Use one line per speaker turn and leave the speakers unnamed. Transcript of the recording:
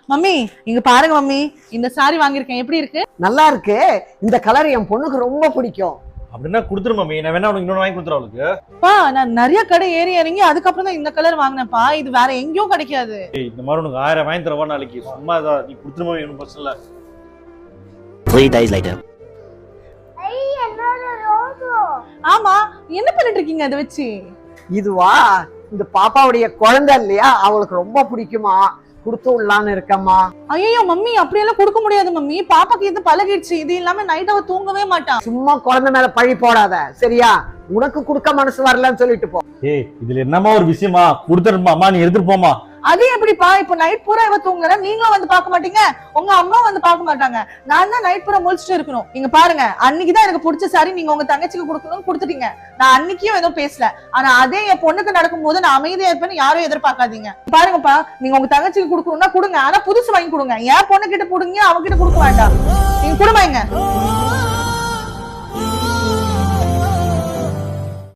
Mummy இங்க பாருங்க mummy, இந்த சாரி வாங்கியிருக்கேன், எப்படி இருக்கு?
நல்லா இருக்கு. இந்த கலர் என் பொண்ணுக்கு ரொம்ப பிடிக்கும்.
அப்படின்னா கொடுத்துரு மம்மி, நான் வேணா உனக்கு இன்னொன்று வாங்கி கொடுத்துறேன் அவளுக்கு.
பா நான் நிறைய கடை ஏறி இறங்கி அதுக்கப்புறம் தான் இந்த கலர் வாங்கினேன்ப்பா. இது வேற எங்கேயும் கிடைக்காது.
இந்த மாதிரி உனக்கு 1000 வாங்கி தரவா நாளைக்கு, சும்மா தான் நீ கொடுத்துரு மம்மி, ஒன்றும் பிரச்சனை இல்லை.
3 days later.
ஆமா, என்ன பண்ணிட்டு இருக்கீங்க அதை வச்சு?
இதுவா, இந்த பாப்பாவுடைய குழந்தை இல்லையா, அவளுக்கு ரொம்ப பிடிக்குமா, கொடுத்து விடலான்னு இருக்கம்மா.
ஐயோ மம்மி, அப்படியெல்லாம் கொடுக்க முடியாது மம்மி. பாப்பாக்கு இது பழகிடுச்சு. இது இல்லாம நைட் அவ தூங்கவே மாட்டான்.
சும்மா குழந்தை மேல பழி போடாத சரியா? உனக்கு கொடுக்க மனசு வரலன்னு சொல்லிட்டு போ.
ஏய், இதுல என்னமா ஒரு விஷயமா? கொடுத்துருமா அம்மா, நீ எடுத்துட்டு போமா.
அது எப்படிப்பா? இப்ப நைட் பூரா இவ தூங்குற, நீங்களும் வந்து பாக்க மாட்டீங்க, உங்க அம்மா வந்து பாக்க மாட்டாங்க. நான் தான் நைட் பூரா முழிச்சிட்டு இருக்கணும். நீங்க பாருங்க, அன்னைக்குதான் எனக்கு பிடிச்ச சாரி நீங்க உங்க தங்கச்சிக்கு கொடுக்கணும்னு கொடுத்துட்டீங்க. நான் அன்னைக்கும் எதுவும் பேசல. ஆனா அதே என் பொண்ணுக்கு நடக்கும் போது நான் அமைதியா இருப்பேன்னு யாரும் எதிர்பார்க்காதீங்க. பாருங்கப்பா, நீங்க உங்க தங்கச்சிக்கு கொடுக்கணும்னா கொடுங்க, ஆனா புதுசு வாங்கி கொடுங்க. என் பொண்ணு கிட்ட கொடுங்க, அவகிட்ட கொடுக்க வேண்டாம். நீங்க கொடுமைங்க.